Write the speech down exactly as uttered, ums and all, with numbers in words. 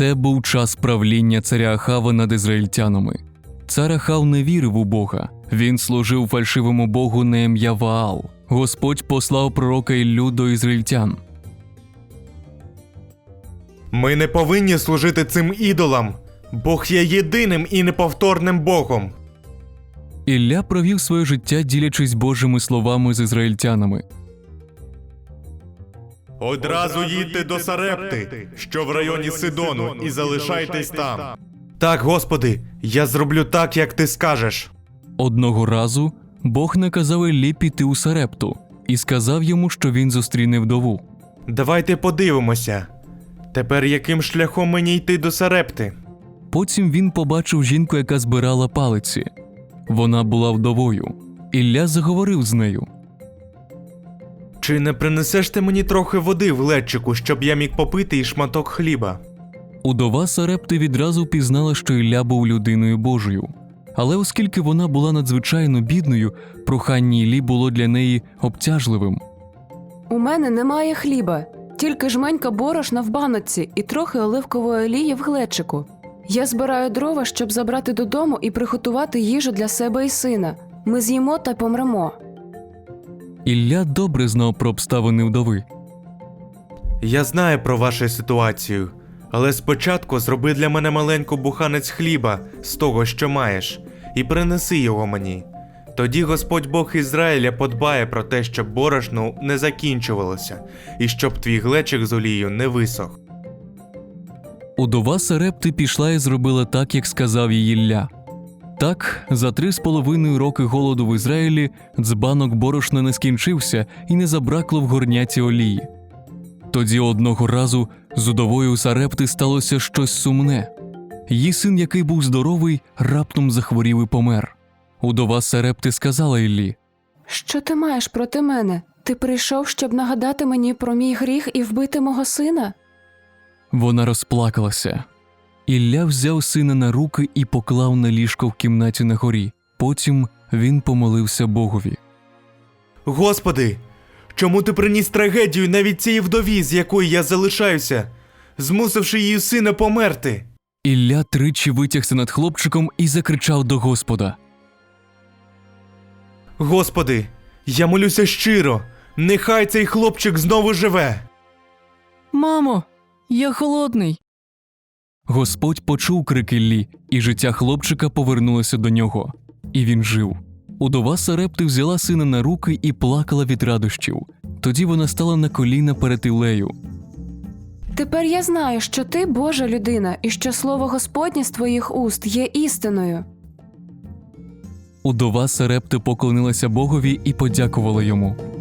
Це був час правління царя Ахава над ізраїльтянами. Цар Ахав не вірив у Бога. Він служив фальшивому богу на ім'я Ваал. Господь послав пророка Іллю до ізраїльтян. Ми не повинні служити цим ідолам. Бог є єдиним і неповторним Богом. Ілля провів своє життя, ділячись Божими словами з ізраїльтянами. Одразу їдьте до Сарепти, що в районі Сидону, і залишайтесь там. Так, Господи, я зроблю так, як ти скажеш. Одного разу Бог наказав Іллі піти у Сарепту і сказав йому, що він зустріне вдову. Давайте подивимося. Тепер яким шляхом мені йти до Сарепти? Потім він побачив жінку, яка збирала палиці. Вона була вдовою. Ілля заговорив з нею. Чи не принесеш ти мені трохи води в ледчику, щоб я міг попити і шматок хліба? Удова Сарепти відразу пізнала, що Ілля був людиною Божою. Але оскільки вона була надзвичайно бідною, прохання Іллі було для неї обтяжливим. У мене немає хліба, тільки жменька борошна в баночці і трохи оливкової олії в глечику. Я збираю дрова, щоб забрати додому і приготувати їжу для себе і сина. Ми з'їмо та помремо. Ілля добре знав про обставини вдови. Я знаю про вашу ситуацію, але спочатку зроби для мене маленьку буханець хліба з того, що маєш, і принеси його мені. Тоді Господь Бог Ізраїля подбає про те, щоб борошно не закінчувалося, і щоб твій глечик з олією не висох. Удова Сарепти пішла і зробила так, як сказав їй Ілля. Так, за три з половиною роки голоду в Ізраїлі дзбанок борошна не скінчився і не забракло в горняці олії. Тоді одного разу з удовою Сарепти сталося щось сумне. Її син, який був здоровий, раптом захворів і помер. Удова Сарепти сказала Іллі: «Що ти маєш проти мене? Ти прийшов, щоб нагадати мені про мій гріх і вбити мого сина?» Вона розплакалася. Ілля взяв сина на руки і поклав на ліжко в кімнаті на горі. Потім він помолився Богові. Господи, чому ти приніс трагедію навіть цій вдові, з якою я залишаюся, змусивши її сина померти? Ілля тричі витягся над хлопчиком і закричав до Господа. Господи, я молюся щиро, нехай цей хлопчик знову живе. «Мамо, я холодний!» Господь почув крик Іллі, і життя хлопчика повернулося до нього. І він жив. Удова Сарепти взяла сина на руки і плакала від радощів. Тоді вона стала на коліна перед Іллею. «Тепер я знаю, що ти Божа людина і що слово Господнє з твоїх уст є істиною». Удова Сарепти поклонилася Богові і подякувала йому.